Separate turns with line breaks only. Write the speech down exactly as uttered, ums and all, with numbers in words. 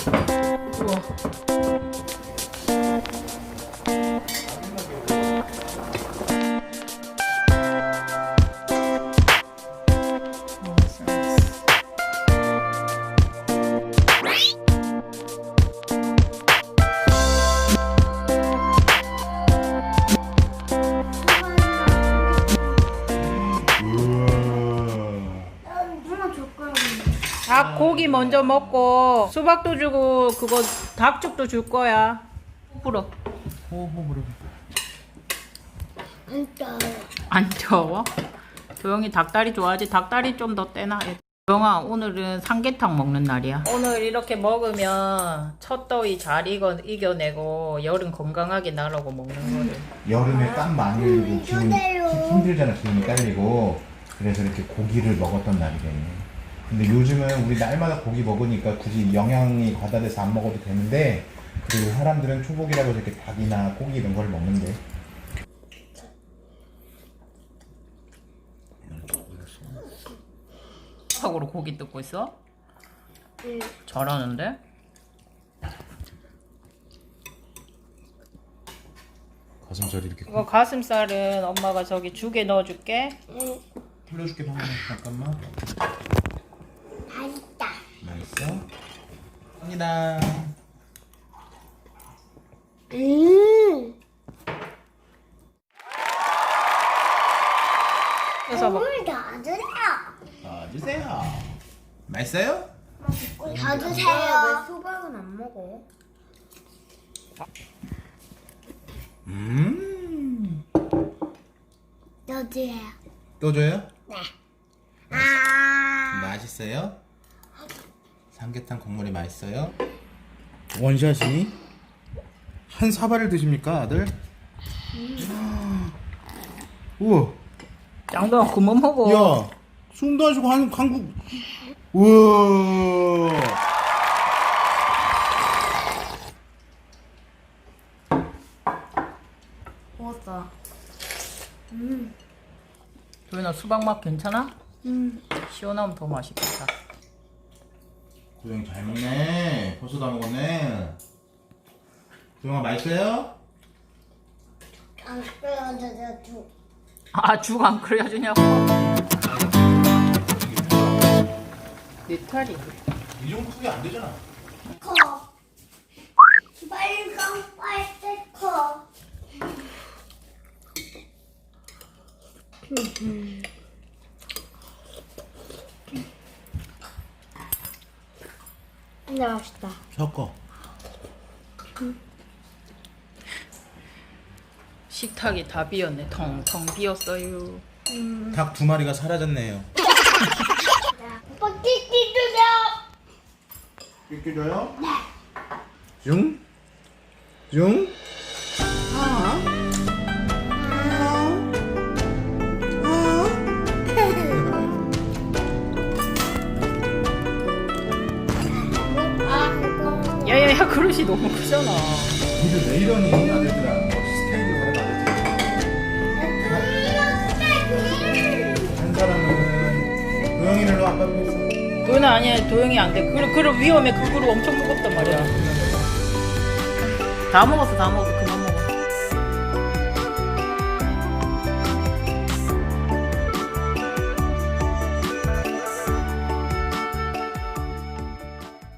우와. 닭 고기 먼저 먹고 수박도 주고 그거 닭죽도 줄 거야. 불어.
호호 불어.
안 떠요.
안 더워? 도영이 닭다리 좋아하지? 닭다리 좀 더 떼나? 도영아 오늘은 삼계탕 먹는 날이야. 오늘 이렇게 먹으면 첫 더위 잘 이겨, 이겨내고 여름 건강하게 나라고 먹는 거를.
여름에 땀 많이 흘리고 기운
이거대로.
힘들잖아. 기운이 딸리고 그래서 이렇게 고기를 먹었던 날이래. 근데 요즘은 우리 날마다 고기 먹으니까 굳이 영양이 과다돼서 안 먹어도 되는데 그리고 사람들은 초복이라고 이렇게 닭이나 고기 이런 걸 먹는데
닭으로 고기 뜯고 있어?
응.
잘하는데?
가슴살이 이렇게
이거 가슴살은 엄마가 저기 죽에 넣어줄게.
응.
풀려줄게 방금 잠깐만.
맛있다.
맛있어? 갑니다.
음.
그래서 막
물 더 주세요.
어, 주세요. 맛있어요?
더 주세요.
수박은 안 먹어?
음.
더 주세요.
또 줘요?
네. 아.
맛있어요? 삼계탕 국물이 맛있어요? 원샷이 한 사발을 드십니까, 아들? 우와.
짱도 그만 먹어.
야, 숨도 안 쉬고 한 한국. 우와.
먹었어.
도현아 수박 맛 괜찮아?
음.
시원하면 더 맛있겠다.
도영 잘 먹네. 벌써 다 먹었네. 도영아 맛있어요?
안 끓여줘서 주.
아 죽 안 끓여주냐고? 네 털이.
이 정도 크게 안 되잖아.
커. 빨강 빨색 커. 근데 맛있다.
섞어.
식탁이 다 비었네. 텅텅 비었어요.
닭 두 마리가 사라졌네요.
오빠 끼끼 주세요.
끼끼 줘요? 네. 중? 중? 아.
야야야 그릇이 너무 크잖아.
근데 왜 이러니 아들들아? 뭐 스케일이 다른 아들들. 한 사람은 도영이를 아빠 앞에 있어.
도현아 아니야 도영이 안 돼. 그릇 그릇 위험해. 그 그릇 엄청 무겁단 말이야. 다 먹었어 다 먹었어.